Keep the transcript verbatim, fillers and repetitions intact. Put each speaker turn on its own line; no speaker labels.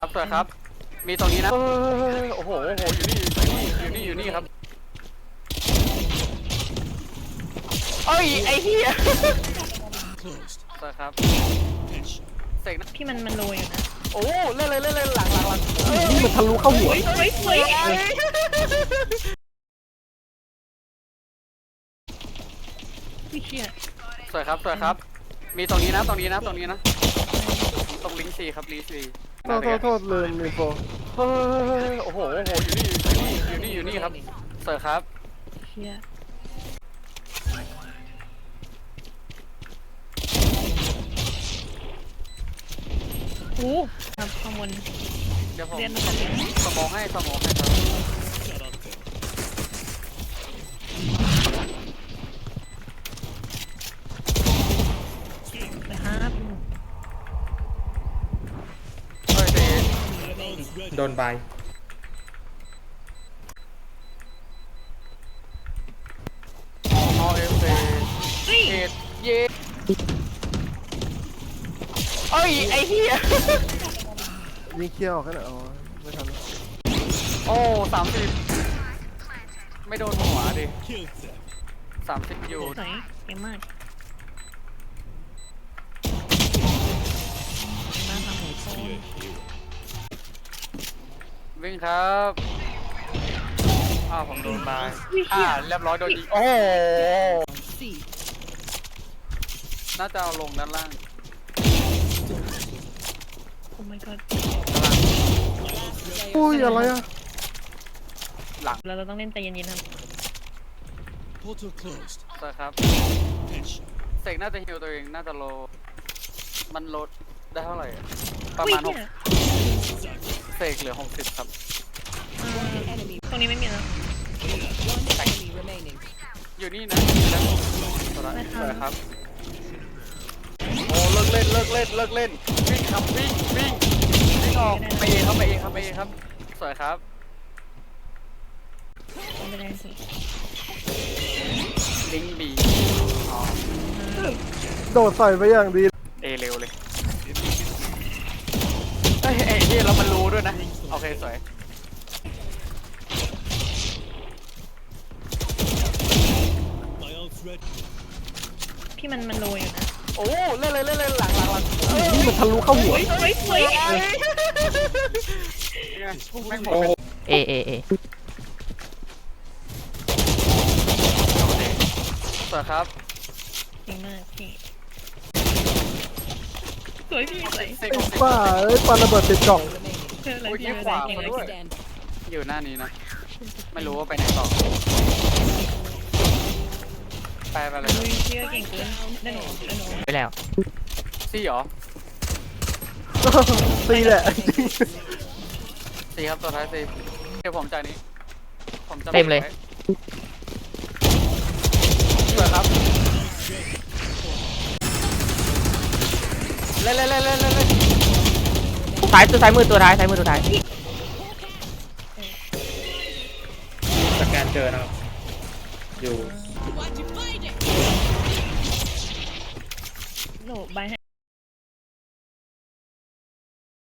ครับสวัสดีครับมีตรงนี้นะโอ้โหโอ้โหอยู่นี่อยู่นี่อยู่นี่อยู่นี่ครับเอ้ยไอ้เหี้ยสวัสดีครับเสกนะ
พี่มันมันโรยอยู่นะ
โอ้เล่นเลยเล่นเลยหลังหลังหลัง
นี่มันทะลุเข้าหัว
เฮ้ยเฮ้ยพี่เชี่ย
สวยครับสวยครับมีตรงนี้นะตรงนี้นะตรงนี้นะตรงลิงก์ซีครับลิงก์ซี
โทษโทษโทษลืมมีโฟ
เฮ้ยโอ้โหโอ้โหอยู่นี่อยู่นี่อยู่นี่อยู่นี่ครับสวยครับ
เชี่ยโอ้ครับข้างบน
เดี๋ยวผม
เรียนมาจากไหน
สมองให้สมองให้ครับ
นะครับ
เฮ้ยเดช
โดนใบ
อเอฟเอเอ็ดเย่เอ้ยไอ้เหี้ย
ยิงเคี้ยวกันอ๋อไม่ทัน
โอ้สามสิบไม่โดนหัวดิสามสิบอยู่
สวยเก่งมากมาทำหัวโซน
วิ่งครับอ้าวผมโดนบายอ่าเรียบร้อยโดนยิงโอ้โหน่าจะเอาลงด้านล่าง
โอ้ my god
อุ้ยอะไรอ่ะ
หลัง
เราต้องเล่นใจเย็นๆครับ
Portal closed.
ใช่ครับเสกน่าจะฮิวตัวเองน่าจะโลมันลดได้เท่าไหร่อะประมาณหกเสกเหลือหกสิบครับ
ตรงนี้ไม่มีแล้ว
อยู่นี่นะแล้วสวยครับโอ้เลิกเล่นเลิกเล่นเลิกเล่นวิ่งครับวิ่งวิ่งวิ่งออกไปเองครับไปเองครับไปเองครับสวยครับ
ไม่ได้สิ
ลิงก์บีอ๋อ
โดดใส่ไปอย่างดี
เอเร็วเลยเอ้ยเอ้ยที่เรามันรู้ด้วยนะโอเคสวย
My ult's ready.
พี่มันมันโรยอยู่นะ
โอ้เล่นเลยเล่นเลยหลังหลังหลัง
นี่มันทะลุเข้าหัว
เฮ้ยเฮ้ยเฮ้ย
แม่งหมด
เอเอเอ
สวยครับ
เก่งมากพี่สวยพี่สวย
เสก
ไอ้
ของเสก
บ้าเอ้ยปาระเบิดติดกล่อง
เพื่ออะไร
โอ้ย
พี่
เยี่ย
ไม่
ขวา
ได้เก่ง
มา
เลย
ด้วยอยู่หน้านี้นะไม่รู้ว่าไปไหนต่อไปไปเลย
อุ้ยพี่ก็เก่งเกินได้หนูได้หนู
ไปแล้ว
ซี่เหรอ
ตีแหละ
ซี่ครับตัวท้ายซี่เดี๋ยวผมจ่ายนี้ผมจะ
เต็มเลย
สวยครับเล่นเล่นเล่นเล่นเล่นเล่น
ซ้ายตัวซ้ายมือตัวท้ายซ้ายมือตัวท้าย
สแกนเจอนะครับอยู่
หนูใบให้